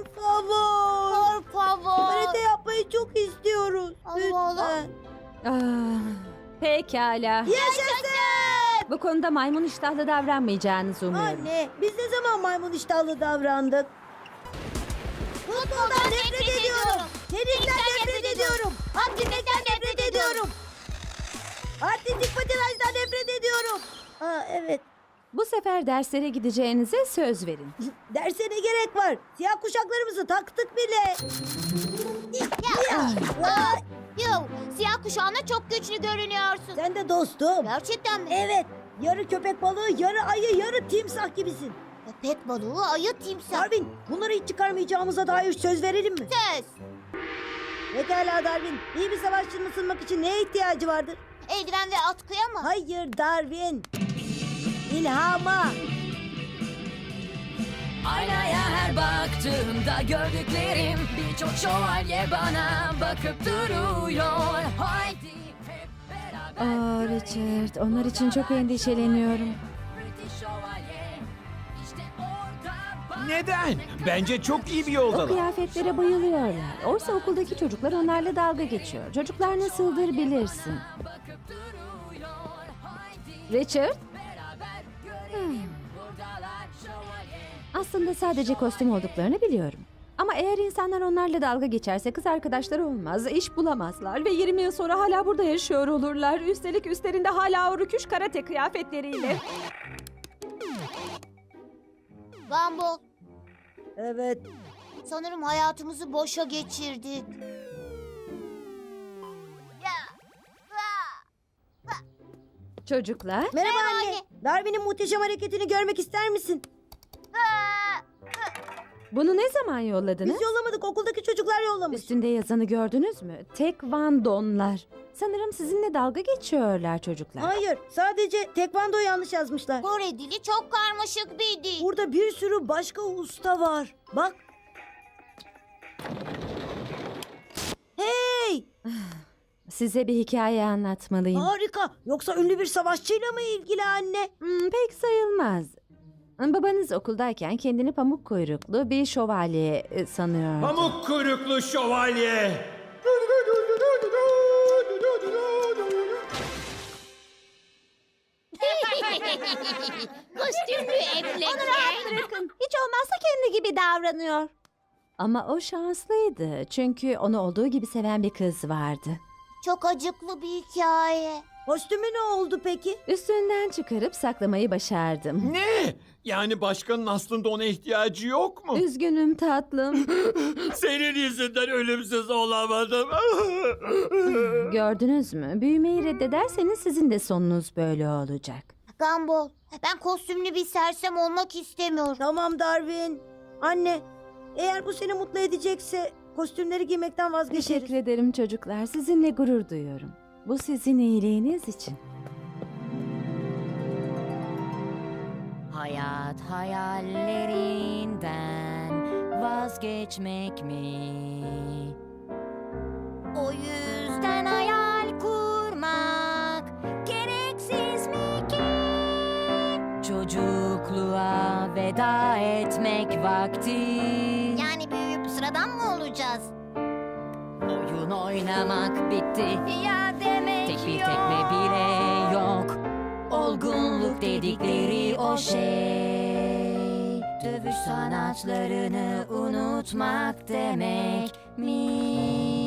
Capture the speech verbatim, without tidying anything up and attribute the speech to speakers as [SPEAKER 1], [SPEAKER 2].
[SPEAKER 1] Por favor.
[SPEAKER 2] Por favor.
[SPEAKER 1] Karate yapmayı çok istiyoruz.
[SPEAKER 2] Allah Allah.
[SPEAKER 1] Lütfen.
[SPEAKER 3] Ah, pekala.
[SPEAKER 1] Yaşasın.
[SPEAKER 3] Bu konuda maymun iştahlı davranmayacağınızı umuyorum.
[SPEAKER 1] Anne, biz ne zaman maymun iştahlı davrandık? Futboldan nefret ediyorum. Tenisden nefret ediyorum. Atletikten nefret ediyorum. Artistik patinajdan nefret ediyorum. Aa, evet.
[SPEAKER 3] Bu sefer derslere gideceğinize söz verin.
[SPEAKER 1] Derse ne gerek var? Siyah kuşaklarımızı taktık bile.
[SPEAKER 2] Aa, Yo, siyah kuşağına çok güçlü görünüyorsun.
[SPEAKER 1] Sen de dostum.
[SPEAKER 2] Gerçekten mi?
[SPEAKER 1] Evet. Yarı köpek balığı, yarı ayı, yarı timsah gibisin.
[SPEAKER 2] Köpek balığı, ayı, timsah.
[SPEAKER 1] Darwin, bunları hiç çıkarmayacağımıza dair söz verelim mi?
[SPEAKER 2] Söz.
[SPEAKER 1] Pekala Darwin. İyi bir savaşçının ısınmak için neye ihtiyacı vardır?
[SPEAKER 2] Eldiven ve atkıya mı?
[SPEAKER 1] Hayır Darwin. İlhama.
[SPEAKER 4] Aynaya her baktığımda gördüklerim birçok şövalye bana bakıp duruyor. Haydi hep beraber
[SPEAKER 3] Aa Richard, onlar için çok endişeleniyorum.
[SPEAKER 4] British şövalye işte orada bak.
[SPEAKER 5] Neden? Bence çok iyi bir
[SPEAKER 3] O
[SPEAKER 5] yoldalar.
[SPEAKER 3] kıyafetlere bayılıyorlar. Oysa okuldaki çocuklar onlarla dalga geçiyor. Çocuklar nasıldır bilirsin.
[SPEAKER 4] Bakıp duruyor. Haydi
[SPEAKER 3] Richard,
[SPEAKER 4] beraber görelim buradalar şövalye.
[SPEAKER 3] aslında sadece kostüm olduklarını biliyorum. Ama eğer insanlar onlarla dalga geçerse kız arkadaşları olmaz, iş bulamazlar ve yirmi yıl sonra hala burada yaşıyor olurlar. Üstelik üstlerinde hala o rüküş karate kıyafetleriyle.
[SPEAKER 2] Gumball,
[SPEAKER 1] Evet.
[SPEAKER 2] sanırım hayatımızı boşa geçirdik.
[SPEAKER 3] Çocuklar,
[SPEAKER 1] Merhaba
[SPEAKER 2] Merhaba
[SPEAKER 1] anne.
[SPEAKER 2] anne.
[SPEAKER 1] Darwin'in muhteşem hareketini görmek ister misin?
[SPEAKER 3] bunu ne zaman yolladınız?
[SPEAKER 1] Biz yollamadık. Okuldaki çocuklar yollamış.
[SPEAKER 3] Üstünde yazanı gördünüz mü? Tekvandonlar. Sanırım sizinle dalga geçiyorlar çocuklar.
[SPEAKER 1] Hayır. Sadece tekvando yanlış yazmışlar.
[SPEAKER 2] Kore dili çok karmaşık bir dil.
[SPEAKER 1] Burada bir sürü başka usta var. Bak. Hey!
[SPEAKER 3] Size bir hikaye anlatmalıyım.
[SPEAKER 1] Harika. Yoksa ünlü bir savaşçıyla mı ilgili anne?
[SPEAKER 3] Hmm, pek sayılmaz. Babanız okuldayken kendini pamuk kuyruklu bir şövalye e, sanıyordu.
[SPEAKER 5] Pamuk kuyruklu şövalye.
[SPEAKER 2] Kostümlü eplek.
[SPEAKER 3] Bırakın. Hiç olmazsa kendi gibi davranıyor. Ama o şanslıydı. Çünkü onu olduğu gibi seven bir kız vardı.
[SPEAKER 2] Çok acıklı bir hikaye.
[SPEAKER 1] Kostümü ne oldu peki?
[SPEAKER 3] Üstünden çıkarıp saklamayı başardım.
[SPEAKER 5] Ne? Yani başkanın aslında ona ihtiyacı yok mu?
[SPEAKER 3] Üzgünüm tatlım.
[SPEAKER 5] Senin yüzünden ölümsüz olamadım.
[SPEAKER 3] Gördünüz mü? Büyümeyi reddederseniz sizin de sonunuz böyle olacak.
[SPEAKER 2] Gumball, ben kostümlü bir sersem olmak istemiyorum.
[SPEAKER 1] Tamam Darwin. Anne, eğer bu seni mutlu edecekse kostümleri giymekten vazgeçeriz.
[SPEAKER 3] Teşekkür ederim çocuklar. Sizinle gurur duyuyorum. Bu sizin iyiliğiniz için.
[SPEAKER 4] Hayat hayallerinden vazgeçmek mi? O yüzden hayal kurmak gereksiz mi ki? Çocukluğa veda etmek vakti.
[SPEAKER 2] Yani büyüyüp sıradan mı olacağız?
[SPEAKER 4] Oyun oynamak bitti.
[SPEAKER 2] Ya demek
[SPEAKER 4] Tek bir tekme bile yok. Olgunluk dedikleri o şey. Dövüş sanatlarını unutmak demek mi?